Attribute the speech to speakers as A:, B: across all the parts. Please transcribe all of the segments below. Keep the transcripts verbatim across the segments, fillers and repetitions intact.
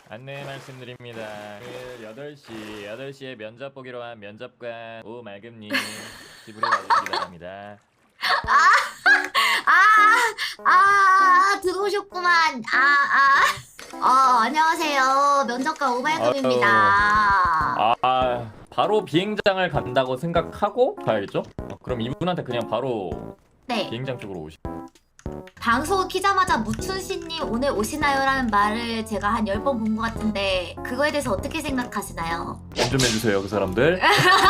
A: 안내 말씀드립니다. 그 여덟 시, 여덟 시에 면접 보기로 한 면접관 오말금님 집으로 와주시기 바랍니다.
B: 아, 아, 들어오셨구만. 아, 아. 어, 안녕하세요. 면접관 오발급입니다.
A: 아, 바로 비행장을 간다고 생각하고 가야겠죠? 어, 그럼 이분한테 그냥 바로
B: 네.
A: 비행장 쪽으로 오시.
B: 방송 키자마자 무춘씨님 오늘 오시나요? 라는 말을 제가 한 열 번 본 것 같은데 그거에 대해서 어떻게 생각하시나요?
A: 좀 해주세요, 그 사람들.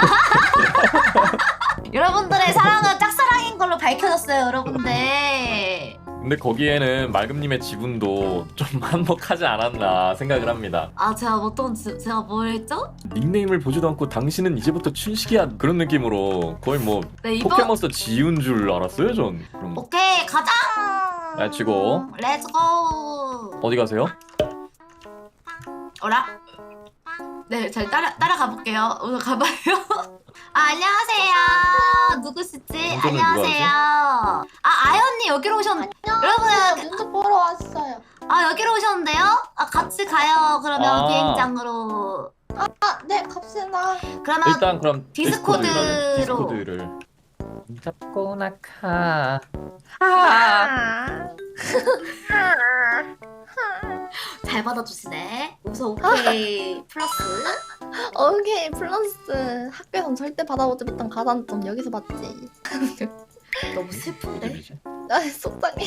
B: 여러분들의 사랑은 짝사랑인 걸로 밝혀졌어요, 여러분들.
A: 근데 거기에는 말금님의 지분도 좀 한몫하지 않았나 생각을 합니다.
B: 아, 제가 어떤, 지- 제가 뭘 했죠?
A: 닉네임을 보지도 않고 당신은 이제부터 춘식이야 그런 느낌으로 거의 뭐
B: 네, 이번.
A: 포켓몬스터 지운 줄 알았어요, 전. 그럼
B: 오케이, 가자!
A: 렛츠고.
B: 렛츠고!
A: 어디 가세요?
B: 어라? 네, 잘 따라, 따라가 볼게요. 오늘 가봐요. 아, 안녕하세요. 누구시지?
A: 운전은 누가
B: 안녕하세요. 아, 아연님 여기로 오셨는데. 여러분,
C: 면접 보러 왔어요.
B: 아, 여기로 오셨는데요? 아, 같이 가요. 그러면
A: 아.
B: 비행장으로.
C: 아, 네, 갑시다.
B: 그러면
A: 일단 그럼
B: 디스코드로.
A: 디스코드를 잡고 나카.
C: 아.
B: 잘 받아주시네. 우선 오케이 플러스.
C: 오케이, 플러스. 학교에선 절대 받아보지 못한 가산점 여기서 받지.
B: 너무 슬픈데?
A: 집이지.
C: 아, 속상해.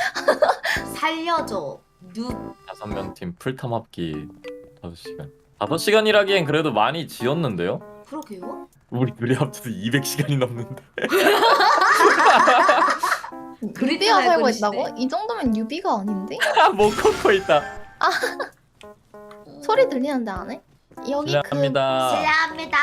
B: 살려줘. 누.
A: 다섯 명 팀 풀탐 합기 다섯 시간. 다섯 시간이라기엔 그래도 많이 지었는데요?
B: 그러게요.
A: 우리 둘이 합쳐서 이백 시간이 넘는데.
C: 유비가
B: 알고
C: 살고
B: 계시네.
C: 있다고? 이 정도면 유비가 아닌데?
A: 못 걷고 있다.
C: 소리 들리는데 안 해? 여기 그
A: 실례합니다.
B: 실례합니다.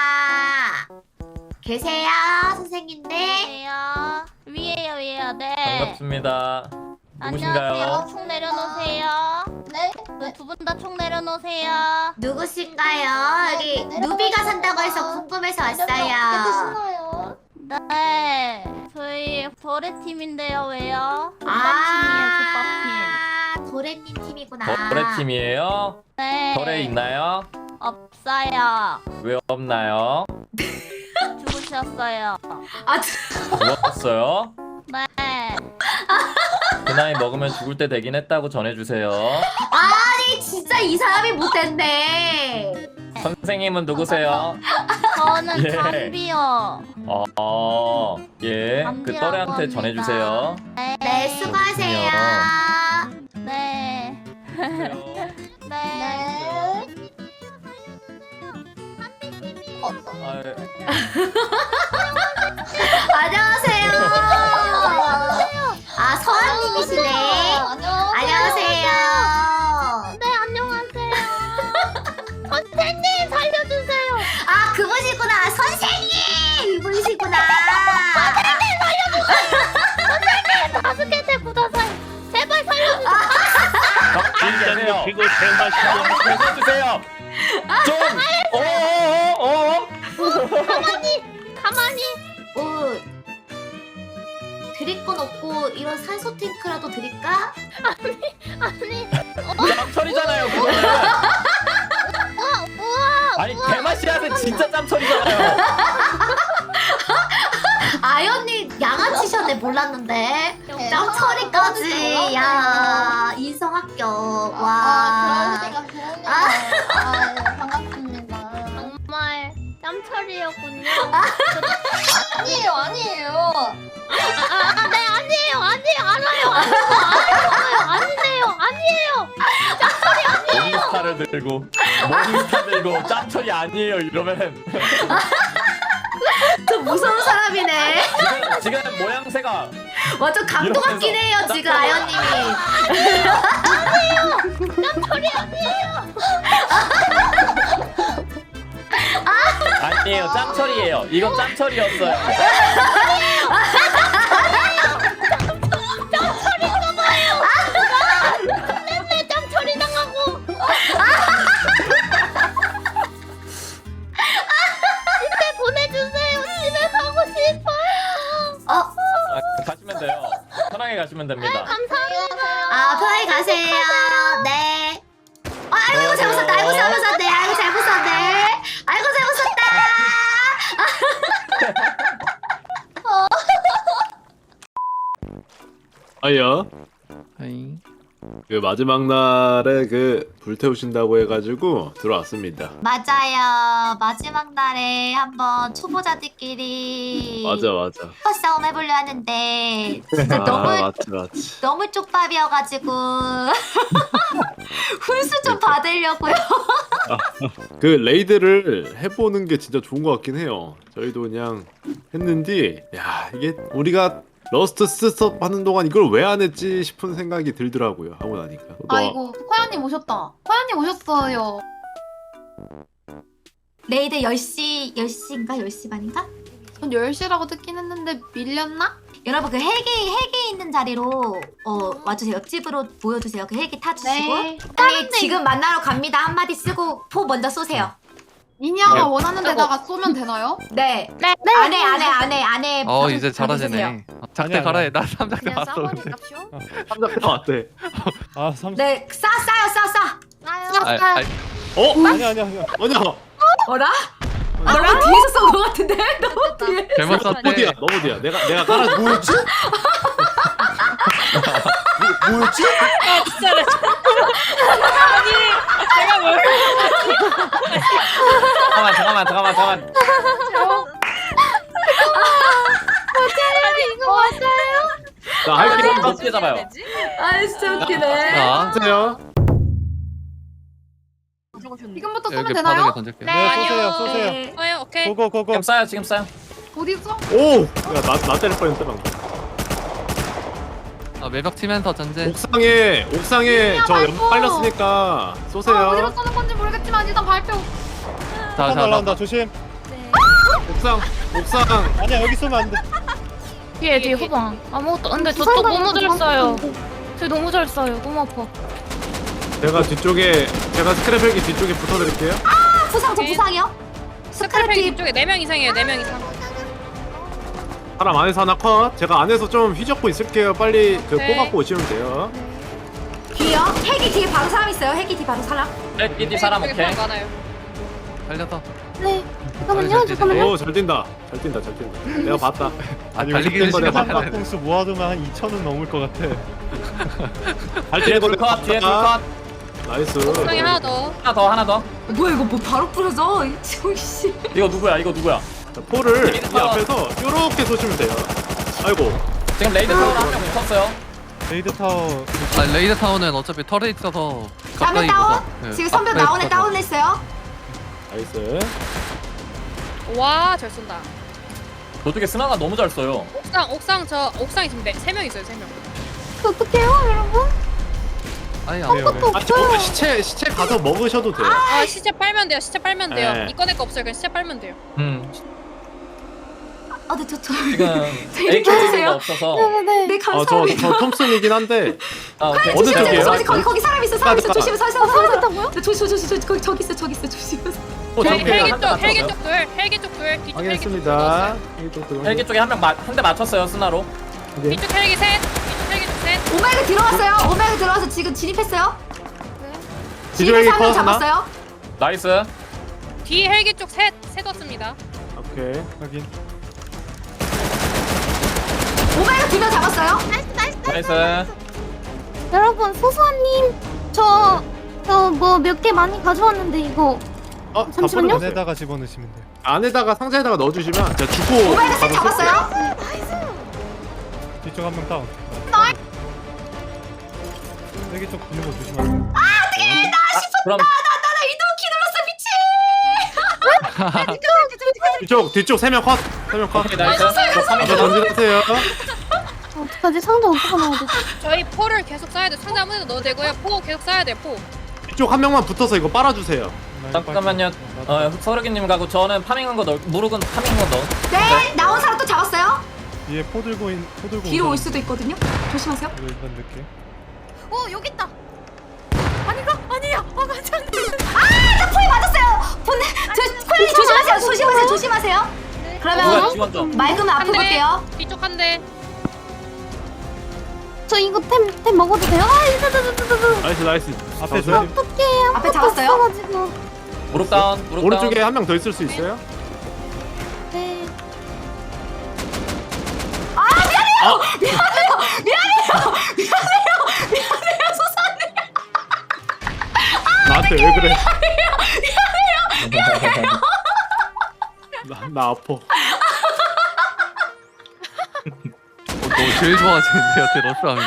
B: 계세요, 선생님들?
D: 안녕하세요. 위에요, 위에요. 네.
A: 반갑습니다.
D: 안녕하세요.
A: 누구신가요?
D: 총 내려놓으세요.
C: 네?
D: 두 분 다 총 내려놓으세요.
B: 누구신가요? 여기
C: 네,
B: 누비가 산다고 해서 궁금해서 왔어요.
C: 드시나요?
D: 네. 저희 도레 팀인데요. 왜요?
B: 아, 도레님 팀이구나.
A: 거래 팀이에요?
D: 네.
A: 거래 있나요?
D: 없어요.
A: 왜 없나요?
D: 죽으셨어요.
B: 아,
A: 죽었어요?
D: 네.
A: 그 나이 먹으면 죽을 때 되긴 했다고 전해주세요.
B: 아니 진짜 이 사람이 못됐네.
A: 선생님은 누구세요?
D: 저는
A: 예.
D: 담비요.
A: 어, 어, 예. 그
D: 담비라고
A: 또래한테
D: 합니다.
A: 전해주세요.
D: 네.
B: 네, 수고하세요.
D: 네. 네.
C: 네. 어,
A: 아, 예.
B: 안녕하세요. 아, 서한님이시네.
C: 안녕하세요.
B: 안녕하세요.
D: 네, 안녕하세요. 선생님 살려주세요.
B: 아, 그분이구나. 선생님! 이분이시구나.
D: 바스켓에 굳어서요. 제발 살려주세요.
A: 진짜세요.
E: 그리고 대마시고
A: 해주세요. 좀. 어어어.
D: 가만히 가만히.
B: 뭐, 드릴 건 없고, 이런 산소 탱크라도 드릴까?
D: 아니
A: 짬처리잖아요. 그거는.
D: 우와 우와.
A: 아니 대마시아는 진짜 짬처리잖아요.
B: 아연님 양아치셨네, 몰랐는데.
C: 네.
B: 짱처리까지. 야, 인성 합격.
C: 아,
B: 와.
C: 그럴 리가, 그럴 리가. 아, 예, 반갑습니다.
D: 정말 짬처리였군요.
C: 아니에요, 아니에요.
D: 아, 네 아니에요 아니에요 알아요 알아요 알아요 아니네요 아니에요.
A: 모닝스타를 들고 모닝스타 들고 짬처리 아니에요 이러면은
B: 좀 무서운 사람이네.
A: 지금 지금 모양새가
B: 완전 감동 같긴 해요, 지금 아연님이.
A: 아니에요 짬처리예요. 이건 짬처리였어요.
D: 네 짬처리 당하고. 집에 보내주세요. 집에 가고 싶어요.
B: 어,
A: 아, 가시면 돼요. 편하게 가시면 됩니다.
D: 감사합니다.
B: 아, 편하게 가세요. 네. 아, 아이고 잘못 썼다. 아이고 잘못 썼네. 아이고 잘못 썼네. 아이고 잘못 썼다.
E: 아야
F: 아이.
E: 그 마지막 날에 그 불태우신다고 해가지고 들어왔습니다.
B: 맞아요. 마지막 날에 한번 초보자들끼리
E: 맞아 맞아.
B: 슈퍼 싸움 해보려 하는데 진짜
E: 아,
B: 너무
E: 맞지 맞지.
B: 너무 쪽밥이어가지고 훈수 좀 받으려고요.
E: 그 레이드를 해보는 게 진짜 좋은 것 같긴 해요. 저희도 그냥 했는데 야 이게 우리가 러스트 스톱 하는 동안 이걸 왜 안 했지 싶은 생각이 들더라고요. 하고 나니까. 너-
G: 아이고 코야님 오셨다. 코야님 오셨어요.
B: 레이드 열 시 열 시인가 열 시 반인가?
G: 전 열 시라고 듣긴 했는데 밀렸나?
B: 여러분 그 헬기 헬기 있는 자리로 어 와주세요. 옆집으로 보여주세요. 그 헬기 타주시고
G: 네.
B: 빨리 지금 만나러 갑니다. 한마디 쓰고 포 먼저 쏘세요.
G: 미니아가
E: 네.
G: 원하는 데다가 쏘면 되나요?
B: 네.
D: 네.
B: 안에 안에 안에 안에.
F: 어
B: 방-
F: 이제
B: 방에 쓰세요.
F: 잘하시네. 어, 작대 갈아해. 나 삼작대
D: 그냥
F: 왔어.
D: 싸버리
F: 근데.
D: 값쇼.
E: 삼작대 왔대.
H: 아 삼.
B: 네, 싸 싸요 싸 싸.
F: 아, 아,
E: 어?
H: 아니야 아니야 아니야.
E: 아니야.
B: 어라? 너무 뒤에서 쏜 것 같은데? 너무 뒤에.
F: 잘못
E: 너무 뒤야.
F: 썼대.
E: 너무 뒤야. 내가 내가 깔아. 뭐였지? 뭐, 뭐였지?
A: 잠깐만 잠깐만 잠깐만 잠깐만.
D: 이거 맞아요?
E: 나 할게.
A: 좀 높게 잡아요.
B: 아 진짜 웃기네.
F: 자,
E: 하세요.
G: 지금부터 쏘면
F: 이렇게
G: 되나요?
F: 바닥에 던질게요.
H: 네 쏘세요 쏘세요.
B: 네.
D: 어, 오케이.
H: 고고고고.
A: 지금 쏴요 지금 쏴요.
G: 어디 있어?
E: 오. 야나나 때릴 뻔했다 방금.
F: 아, 외벽 치면서 전제.
E: 옥상에 옥상에 저
G: 말고.
E: 연막 깔렸으니까
G: 아, 어디로
E: 쏘세요.
G: 쏘는 건지 모르겠지만 일단 발표.
F: 자,
H: 한
F: 자, 나.
H: 날라온다 조심.
E: 옥상 옥상.
H: 아니야 여기 쏘면 안 돼.
D: 뒤에 뒤에 후방. 아무것도. 근데 저 또 너무 잘 쏴요. 저 너무 잘 쏴요. 너무 아파.
E: 제가 뒤쪽에 제가 스크랩 헬기 뒤쪽에 붙어드릴게요.
B: 아, 부상 저 부상이요? 스크래피
D: 이쪽에 네 명 이상이에요. 네 명 이상.
E: 사람 안에서 하나 컷. 제가 안에서 좀 휘젓고 있을게요. 빨리 그
D: 네.
E: 뽑아고 오시면 돼요.
B: 뒤요? 헬기 뒤에 바로 사람 있어요. 헬기 뒤 바로 사람.
A: 헬기디 사람 오케이.
D: 많아요.
F: 살려서.
C: 네.
F: 잠깐만요, 잠깐만요.
E: 오 잘 뛴다. 잘 뛴다. 잘 뛴다. 내가 봤다.
F: 아니,
E: 달리기
F: 달리기는
E: 거네,
F: 시간
E: 맞다.
F: 안 돼.
H: 공수 모아두면 한 이천은 넘을 것 같아.
E: 잘
A: 뒤에
E: 뛰는
A: 불 컷 뒤에 불 컷.
E: 나이스.
D: 옥상에 하나 더.
A: 하나 더 하나 더.
B: 뭐야 이거 뭐 바로 뿌려져? 씨.
A: 이거 누구야 이거 누구야?
E: 자, 포를 이 앞에서 요렇게 쏘시면 돼요. 아이고.
A: 지금 레이드 타워 한명 붙었어요.
H: 레이드 타워.
F: 아, 레이드 타워는 어차피 털에 있어서
B: 다음에
F: 가까이
B: 다운?
F: 있어서. 네,
B: 지금 선배
F: 앞에
B: 나오네
F: 있어서.
B: 다운했어요.
E: 나이스.
D: 와, 잘 쏜다.
A: 저쪽에 스나가 너무 잘 써요.
D: 옥상, 옥상 저 옥상에 지금 네, 세명 있어요. 세 명.
C: 어떡해요, 여러분?
F: 아니,
H: 네,
F: 안
H: 네.
E: 아 저거 시체 시체 가서 먹으셔도 돼요.
D: 아, 시체 빨면 돼요. 시체 빨면 돼요.
E: 네.
D: 이꺼 내거 없어요. 그냥 시체 빨면 돼요.
A: 음
B: 아, 네, 저, 저,
A: 지금
B: 이렇게
A: 에이케이가
B: 해주세요.
A: 없어서.
C: 네네.
B: 네,
E: 아저
B: 감사합니다.
E: 저 톰슨이긴 한데
A: 아 오케이.
E: 어느
B: 조심하세요.
E: 쪽이에요?
B: 저기, 거기, 거기 사람 있어, 사람 있어.
E: 잠깐만.
B: 조심해, 서 있어, 서 있어. 네, 조심, 조심, 조심, 거기 저기 있어, 저기 있어, 조심하세요.
E: 어
D: 헬기,
E: 저기
D: 헬기
A: 한대
D: 쪽, 헬기
A: 맞췄어요.
D: 쪽 둘, 헬기 쪽 둘, 뒤쪽 헬기 쪽 둘.
E: 확인했습니다.
A: 헬기 쪽에 한 명 한 대 맞췄어요 스나로.
D: 뒤쪽 헬기 셋, 뒤쪽 헬기 쪽 셋.
B: 오메가 들어갔어요. 오메가 들어가서 지금 진입했어요.
E: 뒤쪽 헬기
B: 진입해서 한 명
E: 컷 하나?
B: 잡았어요.
A: 나이스.
D: 뒤 헬기 쪽 셋, 셋 왔습니다.
E: 오케이.
H: 확인.
B: 오메가 두 명 잡았어요.
A: 나이스.
C: 여러분, 소소아님, 저, 저 뭐 몇 개 많이 가져왔는데, 이거.
E: 어
C: 잠시만요.
E: 다 뿌려주세요.
H: 안에다가 집어넣으시면 돼.
E: 안에다가 상자에다가 넣어주시면 제가 주고
B: 오메가 셋
E: 가서
B: 잡았어요.
H: 뒤쪽 한 명 다운. 여기 쪽 붙는 거 조심하세요.
A: 그럼
B: 나나 이동 키 눌렀어 미친.
E: 뒤쪽 뒤쪽 세 명 컷. 세 명 컷.
A: 오케이 나이스. 저 삼인
E: 이제 던지세요.
C: 어떡하지? 상자 어떻게 넣어야 되지?
D: 저희 포를 계속 쏴야 돼. 상자 아무데나 넣어도 되고요. 포 계속 쏴야 돼. 포.
E: 뒤쪽 한 명만 붙어서 이거 빨아주세요.
A: 잠깐만요. 어 서르기님 가고 저는 파밍한 거 넣. 무르군 파밍한 거 넣어.
B: 네, 나온 사람 또 잡았어요.
H: 뒤에 포 들고 있, 포 들고.
B: 뒤로
H: 온
B: 올
H: 사람.
B: 수도 있거든요. 조심하세요.
H: 이거 일단 넣게.
G: 어 여기 있다. 아닌가? 아니야. 아 맞아.
B: 나 포에 맞았어요. 본네, 저 콜리 조심하세요. 조심하세요. 조심하세요.
A: 누가
B: 그러면
A: 지원 좀.
B: 맑으면
D: 한
B: 앞으로
D: 대.
B: 볼게요.
D: 뒤쪽 한 대. 저 이거 템, 템 먹어도 돼요? 아, 이거, 이거, 이거, 이거, 이거.
E: 나이스 나이스.
H: 앞에
E: 잡았어요?
H: 조심.
D: 어떡해.
B: 앞에
D: 아무것도
B: 잡았어요?
D: 없어가지고.
A: 무릎 다운 무릎
E: 오른쪽에
A: 다운.
E: 한 명 더 있을 수 있어요?
D: 네.
E: 나한테 왜 그래? 나, 나 아파.
F: 어, 너 제일 좋아하시는데요, 제 러스하면.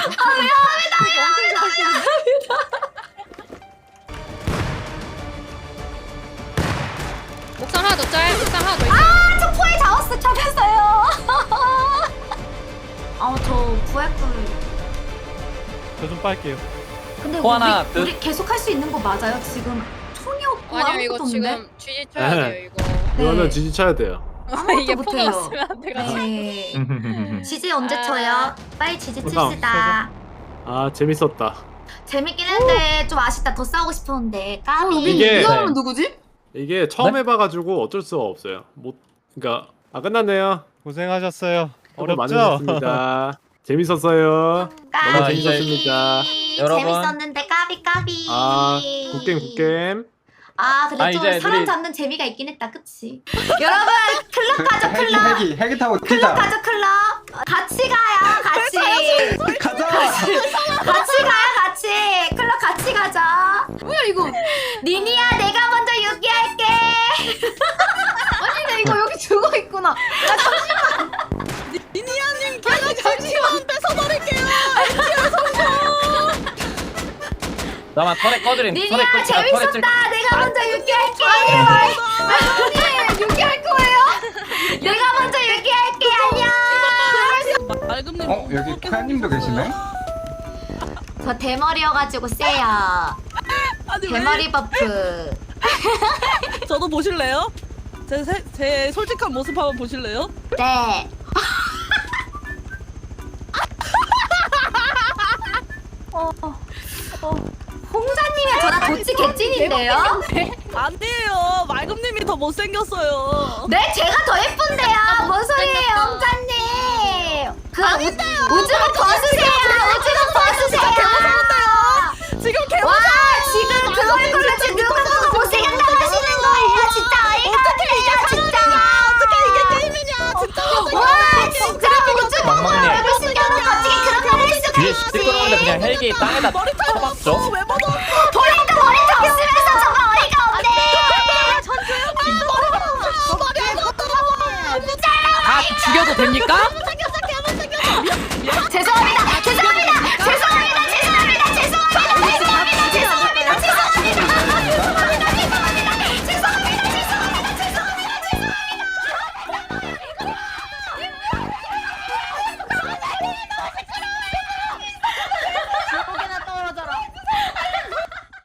G: 옥상 하나 더 짤. 옥상 하나 더 있어.
B: 아, 저 포에 잡았어. 잡혔어요. 아, 저 부활풀.
H: 저 좀 빨게요.
B: 근데
A: 포 하나
B: 우리,
A: 듯.
B: 우리 계속 할 수 있는 거 맞아요? 지금 총이 없고
G: 아니요
B: 아무것도
G: 이거
B: 없는데?
G: 지금 쥐지 쳐야 돼요 이거.
E: 이거는
B: 네.
E: 지지 쳐야 돼요.
B: 아무것도
G: 이게 포가
B: 못해요.
G: 없으면 안 돼가지고.
B: 네. 지지 언제
G: 아.
B: 쳐요? 빨리 지지
E: 보상,
B: 칩시다.
E: 아 재밌었다.
B: 재밌긴 했는데 좀 아쉽다. 더 싸우고 싶었는데 까비.
E: 이게-
B: 이거
A: 네.
C: 누구지?
E: 이게 처음
A: 네?
E: 해봐가지고 어쩔 수가 없어요. 못, 그러니까 아 끝났네요.
H: 고생하셨어요.
E: 수고
H: 어렵죠?
E: 많으셨습니다. 재밌었어요.
B: 까비.
E: 너무
A: 재밌었습니다. 여러분.
B: 재밌었는데 까비 까비.
E: 아 굿게임 굿게임.
B: 아 근데
A: 아,
B: 좀
A: 이제
B: 사람
A: 우리-
B: 잡는 재미가 있긴 했다. 그치? 여러분 클럽 가죠
I: 헬기
B: 클럽.
I: 헬기 헬기 타고
B: 클럽
I: 뛰자.
B: 가죠 클럽. 같이 가요 같이.
I: 가자.
B: 같이 가요 같이. 클럽 같이 가자. 뭐야 이거? 니니야 내가 먼저 유기할게.
C: 아니 나 이거 여기 죽어 있구나. 아 잠시만. 니니아님 걔가 잠시만 뺏어버릴게요.
A: 나만 털에 꺼드림. 털에
B: 니니야
A: 끌 털에 끌
B: 재밌었다. 내가 먼저 유기할게.
C: 아니 유기할 거예요?
B: 내가 먼저 유기할게. 안녕.
D: 맑음님.
I: 어 여기 카야님도 계시네.
B: 저 대머리여가지고 세요. 대머리 버프.
D: 저도 보실래요? 제, 세, 제 솔직한 모습 한번 보실래요?
B: 네. 어, 어, 홍사님이랑 저랑 도치 개찐인데요?
D: 아니에요. 맑음님이 더 못생겼어요.
B: 네, 제가 더 예쁜데요. 뭔 소리예요, 홍사님? 그 우- 우주가 벗으세요. 우주가 벗으세요.
D: 지금 개
B: 와, 지금 그 얼굴로 지금 누가 보고 못생겼다고 하시는 거예요? 진짜 어이가 없네요, 진짜.
D: 어떻게 이게 게임이냐? 진짜.
B: 와, 진짜 우주 보고 얼굴 숨겨놓고 어떻게 그런 말을 할 수가
A: 뒤에
B: 있지?
A: 시끄러운데 그냥 헬기 땅에다
D: 머리카락
A: 쳐박죠.
D: 없어. 왜 받아?
B: 본인도 머리도 없으면서 저거 어이가 없네.
D: 아 죽여도 됩니까?
B: 죄송합니다. 죄송합니다. 죄송합니다. 죄송합니다. 죄송합니다. 죄송합니다. 죄송합니다. 죄송합니다. 죄송합니다. 죄송합니다. 죄송합니다. 죄송합니다.